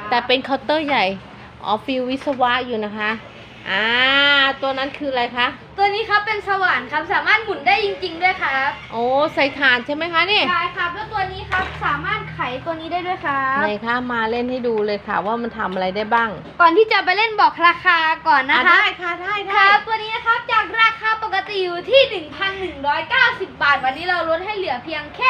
แต่เป็นเคาน์เตอร์ใหญ่ฟิลวิศวะอยู่นะคะตัวนั้นคืออะไรคะตัวนี้ครับเป็นสว่านครับสามารถหมุนได้จริงๆด้วยครับโอ้ใส่ถ่านใช่ไหมคะนี่ใช่ครับแล้วตัวนี้ครับสามารถไขตัวนี้ได้ด้วยครับไหนคะมาเล่นให้ดูเลยค่ะว่ามันทำอะไรได้บ้างก่อนที่จะไปเล่นบอกราคาก่อนนะคะได้ค่ะได้ครับตัวนี้นะครับจากราคาปกติอยู่ที่ 1,190 บาทวันนี้เราลดให้เหลือเพียงแค่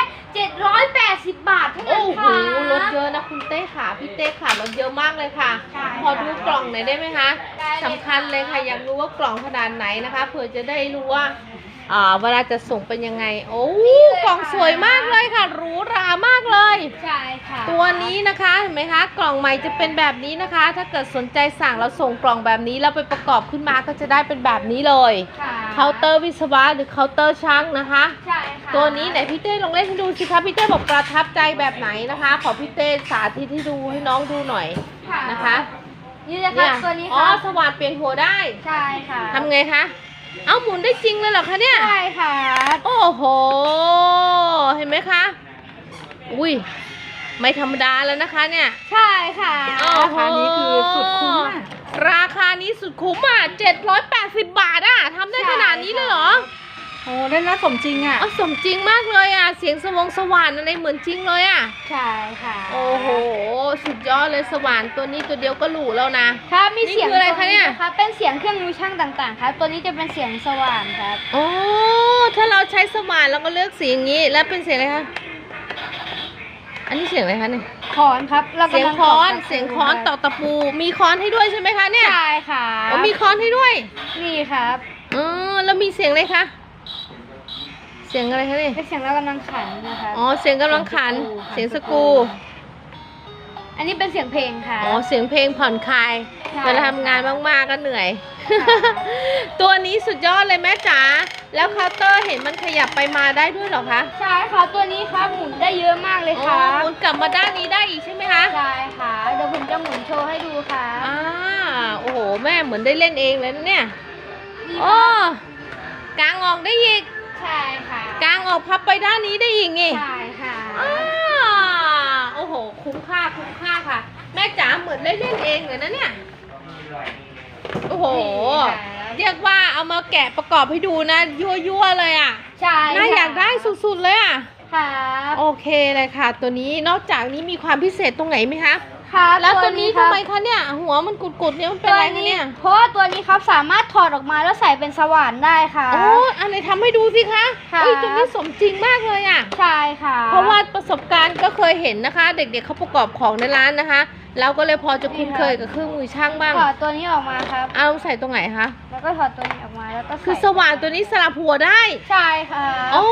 780 บาทเท่านั้นค่ะโอ้โหลดเยอะนะคุณเต้ค่ะพี่เต้ค่ะลดเยอะมากเลยค่ะพอดูกล่องหน่อยได้ไหมคะสำคัญเลยค่ะอยากรู้ว่ากล่องขนาดไหนนะคะเผื่อจะได้รู้ว่าเวลาจะส่งเป็นยังไงโอ้กล่องสวยมากเลยค่ะหรูหรามากเลยใช่ค่ะตัวนี้นะคะเห็นไหมคะกล่องใหม่จะเป็นแบบนี้นะคะถ้าเกิดสนใจสั่งเราส่งกล่องแบบนี้เราไปประกอบขึ้นมาก็จะได้เป็นแบบนี้เลยเคาน์เตอร์วิศวะหรือเคาน์เตอร์ช่างนะคะใช่ค่ะตัวนี้ไหนพี่เต้ลองเล่นให้ดูสิคะพี่เต้บอกประทับใจแบบไหนนะคะขอพี่เต้สาธิตให้ดูให้น้องดูหน่อยนะคะนี่นะคะตัวนี้ค่ะสว่านเปลี่ยนหัวได้ใช่ค่ะทำไงคะเอาหมุนได้จริงเลยเหรอคะเนี่ยใช่ค่ะโอ้โหเห็นไหมคะอุ้ยไม่ธรรมดาแล้วนะคะเนี่ยใช่ค่ะราคานี้คือสุดคุ้มราคานี้สุดคุ้ม780 บาททำได้ขนาดนี้เลยเหรอโอ้ได้น่าสมจริงสมจริงมากเลยเสียงสว่านอะไรเหมือนจริงเลยใช่ค่ะโอ้โหสุดยอดเลยสว่านตัวนี้ตัวเดียวก็หรูแล้วนะครับมีเสียงอะไรคะเนี่ยครับเป็นเสียงเครื่องมือช่างต่างๆครับตัวนี้จะเป็นเสียงสว่านครับโอ้ถ้าเราใช้สว่านเราก็เลือกเสียงนี้แล้วเป็นเสียงอะไรคะอันนี้เสียงอะไรคะเนี่ยค้อนครับเสียงค้อนตอกตะปูมีค้อนให้ด้วยใช่ไหมคะเนี่ยใช่ค่ะมีค้อนให้ด้วยนี่ครับแล้วมีเสียงอะไรคะเสียงอะไรคะเนี่ยเป็นเสียงเรากำลังขันนะคะเสียงกำลังขันเสียงสกูอันนี้เป็นเสียงเพลงค่ะเสียงเพลงผ่อนคลายเวลาทำงานมากๆก็เหนื่อยตัวนี้สุดยอดเลยแม่จ๋าแล้วเคาน์เตอร์เห็นมันขยับไปมาได้ด้วยเหรอคะใช่ค่ะตัวนี้ครับหมุนได้เยอะมากเลยค่ะหมุนกลับมาด้านนี้ได้อีกใช่ไหมคะใช่ค่ะเดี๋ยวผมจะหมุนโชว์ให้ดูค่ะโอ้โหแม่เหมือนได้เล่นเองเลยนะเนี่ยกางออกได้อีกใช่ค่ะกางออกพับไปด้านนี้ได้อีกนี่ใช่ค่ะโอ้โหคุ้มค่าค่ะแม่จ๋าเหมือนได้เล่นเองเลยนะเนี่ยโอ้โหเรียกว่าเอามาแกะประกอบให้ดูนะยั่วเลยใช่น่าอยากได้สุดๆเลยค่ะโอเคเลยค่ะตัวนี้นอกจากนี้มีความพิเศษตรงไหนไหมคะครับแล้วตัวนี้ทำไมคะเนี่ยหัวมันกุดๆเนี่ยมันเป็นอะไรเนี่ยเพราะว่าตัวนี้ครับสามารถถอดออกมาแล้วใส่เป็นสว่านได้ค่ะอันไหนทำให้ดูสิคะตัวนี้สมจริงมากเลยใช่ค่ะเพราะว่าประสบการณ์ก็เคยเห็นนะคะเด็กๆเขาประกอบของในร้านนะคะเราก็เลยพอจะคุ้นเคยกับเครื่องมือช่างบ้างถอดตัวนี้ออกมาครับเอาใส่ตรงไหนคะแล้วก็ถอดตัวนี้ออกมาแล้วก็คือสว่านตัวนี้สลับหัวได้ใช่ค่ะ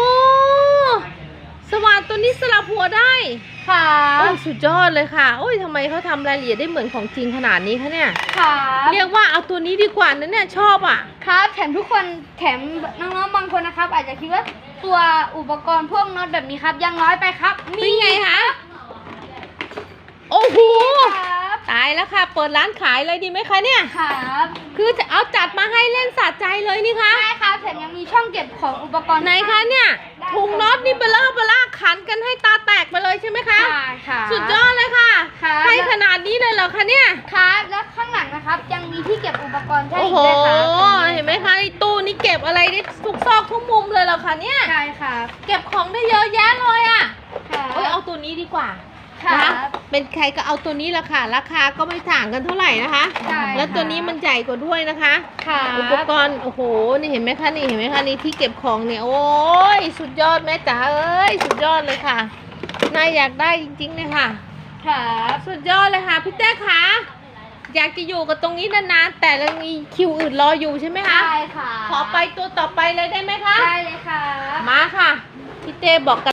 สว่านตัวนี้สลับหัวได้ค่ะสุดยอดเลยค่ะทำไมเขาทำรายละเอียดได้เหมือนของจริงขนาดนี้คะเนี่ยค่ะเรียกว่าเอาตัวนี้ดีกว่านะเนี่ยชอบครับแถมทุกคนแถมน้องๆบางคนนะครับอาจจะคิดว่าตัวอุปกรณ์พวกน็อตแบบนี้ครับยังน้อยไปครับนี่ไงคะโอ้โหตายแล้วค่ะเปิดร้านขายเลยดีไหมคะเนี่ยครับคือจะเอาจัดมาให้เล่นสะใจเลยนี่คะใช่ค่ะแถมยังมีช่องเก็บของอุปกรณ์ไหนคะเนี่ยถุงน็อตนี่เบลล่าขันกันให้ตาแตกไปเลยใช่ไหมคะใช่ค่ะสุดยอดเลยค่ะให้ขนาดนี้เลยเหรอคะเนี่ยครับแล้วข้างหลังนะครับยังมีที่เก็บอุปกรณ์ใช่ไหมคะเห็นไหมคะในตู้นี่เก็บอะไรได้ทุกซอกทุกมุมเลยเหรอคะเนี่ยใช่ค่ะเก็บของได้เยอะแยะเลยเอาตัวนี้ดีกว่านะเป็นใครก็เอาตัวนี้ละค่ะราคาก็ไม่ต่างกันเท่าไหร่นะคะแล้วตัวนี้มันใหญ่กว่าด้วยนะคะอุปกรณ์โอ้โหนี่เห็นไหมคะนี่ที่เก็บของเนี่ยโอ้ยสุดยอดแม่จ๋าสุดยอดเลยค่ะน่าอยากได้จริงๆเลยค่ะสุดยอดเลยค่ะพี่แต้ค่ะอยากจะอยู่กับตรงนี้นานๆแต่ยังมีคิวอื่นรออยู่ใช่ไหมคะใช่ค่ะขอไปตัวต่อไปเลยได้ไหมคะได้เลยค่ะมาค่ะพี่เต้บอกกัน